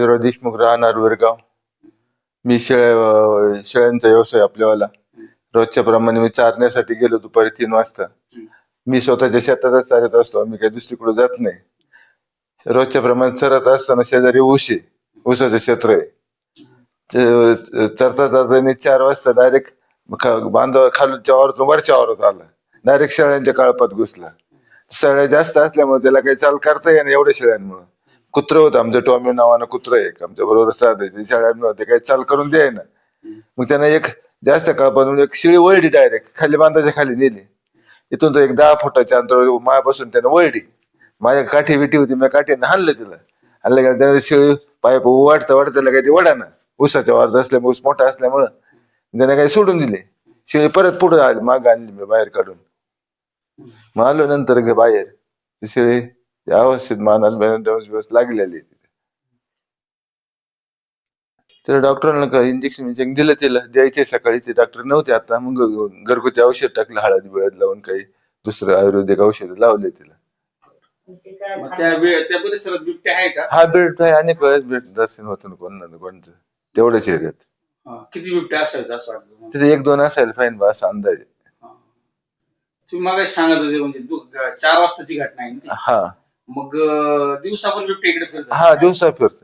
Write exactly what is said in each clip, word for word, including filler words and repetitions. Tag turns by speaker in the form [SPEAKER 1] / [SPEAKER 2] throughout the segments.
[SPEAKER 1] शिवराज देशमुख राहणार वेरगाव. मी शेळ्या शेळ्यांचा व्यवसाय आपल्यावाला. रोजच्या प्रमाणे मी चारण्यासाठी गेलो दुपारी तीन वाजता. मी स्वतःच्या शेतातच चालत असतो, मी काही दुसरीकडे जात नाही. रोजच्या प्रमाणे चरत असताना शेजारी ऊस आहे, ऊसाचं क्षेत्र आहे. चरता चरता चार वाजता डायरेक्ट बांधव खालच्या वावरातून वरच्या वावरात आला, डायरेक्ट शेळ्यांच्या काळपात घुसला. शेळ्या जास्त असल्यामुळे त्याला काही चाल करता येईना एवढ्या शेळ्यांमुळे. कुत्र होतं आमचं, टॉमी नावानं कुत्र एक आमच्या बरोबर साधायचे. शेळ्यांमुळे ते काही चाल करून द्यायना. मग त्यानं एक जास्त काळपातून एक शिळी वळडी डायरेक्ट खाली बांधाच्या खाली नेली. इथून तो एक दहा फुटाच्या अंतरावर मायापासून त्यानं वळडी. माझ्या काठी विठी होती, मी काठीनं हाणलं तिला. हाणलं गेलं त्याने शिळी पाय वाढता वाढता त्याला काही ते वडाना, ऊसाच्या वारत असल्यामुळे ऊस मोठा असल्यामुळं त्याने काही सोडून दिले. शिळी परत पुढे आली, माग आणली मी बाहेर काढून. मग आलो नंतर गे बाहेर, ती शिळी अवस्थित मानात दिवस लागलेली. तर डॉक्टरांना का इंजेक्शन इंजेक्शन दिलं, तिला द्यायचे सकाळी. ते डॉक्टर नव्हते आता, मग घरगुती औषध टाकलं, हळद बिळद लावून काही दुसरं आयुर्वेदिक औषध लावले तिला.
[SPEAKER 2] त्या परिसरात बिबट्या आहे का?
[SPEAKER 1] हा बिबट्या आहे, अनेक वेळेस भेट दर्शन होतं कोण ना कोणचं तेवढ्याच एरियात.
[SPEAKER 2] किती बिबट्या असायचं असं वाटतं?
[SPEAKER 1] तिथे एक दोन असायला फाईन बा असा अंदाज आहे.
[SPEAKER 2] तुम्ही मग सांगत होते म्हणजे चार वाजताची घटना आहे ना?
[SPEAKER 1] हा.
[SPEAKER 2] मग दिवसा पण बिबटे इकडे फिरतात?
[SPEAKER 1] हा, दिवसा फिरतात.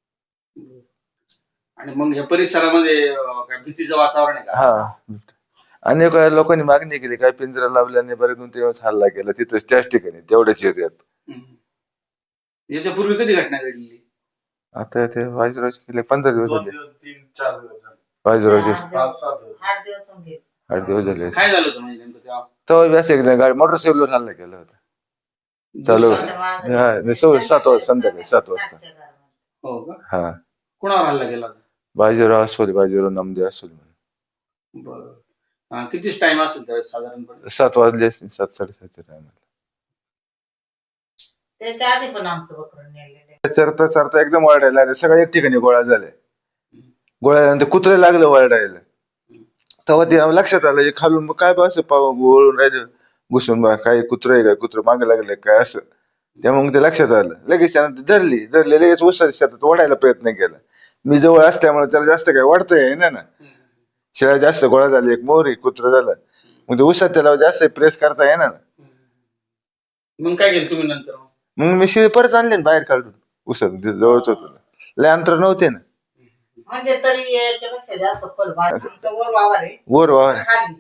[SPEAKER 2] आणि मग या परिसरामध्ये काय भीतीचं वातावरण आहे का?
[SPEAKER 1] हा, अनेक वेळा लोकांनी मागणी केली, काय पिंजरा लावल्याने बरे दोन तीन वेळेस हल्ला केला तिथंच त्याच ठिकाणी तेवढ्याच एरियात.
[SPEAKER 2] याच्यापूर्वी कधी घटना घडली?
[SPEAKER 1] आता ते वायजराज केले पंधरा दिवस झाले.
[SPEAKER 3] तीन चार दिवस झाले.
[SPEAKER 1] वायजराज
[SPEAKER 3] पाच सहा दिवस.
[SPEAKER 4] आठ दिवस होते.
[SPEAKER 1] आठ दिवस झाले.
[SPEAKER 2] काय झालं होतं म्हणजे नेमकं तेव्हा?
[SPEAKER 1] तो व्यास एकदा गाडी मोटरसायकलवर हल्ला केला होता चालू. हा, सात वाजता संध्याकाळी सात वाजता.
[SPEAKER 2] हो का?
[SPEAKER 1] हा.
[SPEAKER 2] कोणावर हल्ला केला होता?
[SPEAKER 1] बाजीराव असोले, बाजीराव नामदेव असोले.
[SPEAKER 2] बरं, कितीच टाइम असेल त्यावेळेस साधारणपणे?
[SPEAKER 1] सात वाजले असतील, सात साडेसातच्या टायमाला.
[SPEAKER 4] त्याच्या आधी पण आमचं बकरं नेलेलं.
[SPEAKER 1] चरता चरता एकदम वरडायला लागले, सगळे एक ठिकाणी गोळा झाले. गोळ्यानंतर कुत्रे लागलं वरडायला. तेव्हा ते लक्षात आलं खालून, मग काय बा असं वळून राहिलं घुसून, बा काय कुत्र आहे काय, कुत्र मागे लागले काय असं. त्यामुळे ते लक्षात आलं. लगेच त्यानं धरली धरली लगेच उसाच्या शेतात ओढायला प्रयत्न केला. मी जवळ असल्यामुळे त्याला जास्त काय वाढता येईना ना. शेळ्या जास्त गोळा झाली, एक मोरी कुत्र झालं, मग ते उसात त्याला जास्त प्रेस करता येईना ना.
[SPEAKER 2] मग काय केलं तुम्ही नंतर?
[SPEAKER 1] मग मी शिळी परत आणले ना बाहेर काढून, उसात जवळच होत, लय अंतर नव्हते ना.
[SPEAKER 4] म्हणजे तरी याच्यापेक्षा जास्त फळ वर वावर आहे,
[SPEAKER 1] वर वावर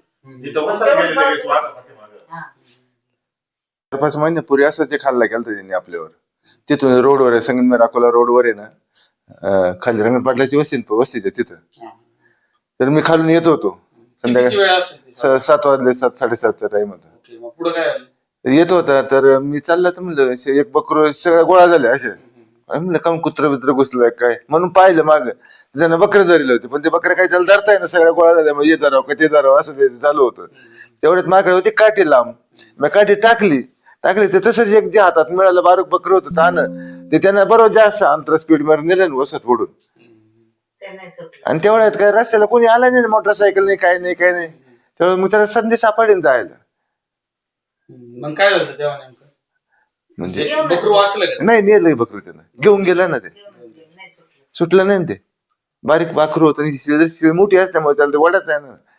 [SPEAKER 1] चार पाच महिन्यापूर्वी असंच एक हल्ला केला त्यांनी आपल्यावर. तिथून रोडवर आहे, संगमेर अकोला रोडवर आहे ना, खाली रंगण पाटलाची वस्ती वस्तीच्या तिथं. तर मी खालून येत होतो संध्याकाळी सात वाजले, सात साडेसातचा टाइम होता.
[SPEAKER 2] पुढे काय
[SPEAKER 1] येत होता तर मी चालला तर म्हणलं एक बकरू सगळ्या गोळा झाले असे. म्हणलं काम कुत्र बित्र घुसलंय काय म्हणून पाहिलं माग, त्यानं बकरे धरले होते, पण ते बकरे काही त्याला धरताय ना, सगळ्या गोळा झाल्या. मग ये धराव का ते धरावं असं ते चालू होतं. तेवढ्यात माझ्याकडे होती काठी लांब, मी काठी टाकली टाकली ते तसंच एक जे हातात मिळालं बारीक बकरं होतं तानं, ते त्यानं बरोबर जास्त अंतर स्पीड मध्ये नेलं ना वसत फोडून. आणि तेवढ्यात काय रस्त्याला कोणी आला नाही, मोटरसायकल नाही, काय नाही काय नाही. त्यामुळे मग त्याला संधी सापडेल जायला.
[SPEAKER 2] मग काय झालं तेव्हा नेमकं?
[SPEAKER 1] म्हणजे
[SPEAKER 2] बकरू वाचलं का?
[SPEAKER 1] नाही, नेलं बकरू त्यानं, घेऊन गेलं ना, ते सुटलं नाही ते. बारीक बाकरू होतं, शिळी मोठी असल्यामुळे त्याला ते वडत आहे ना.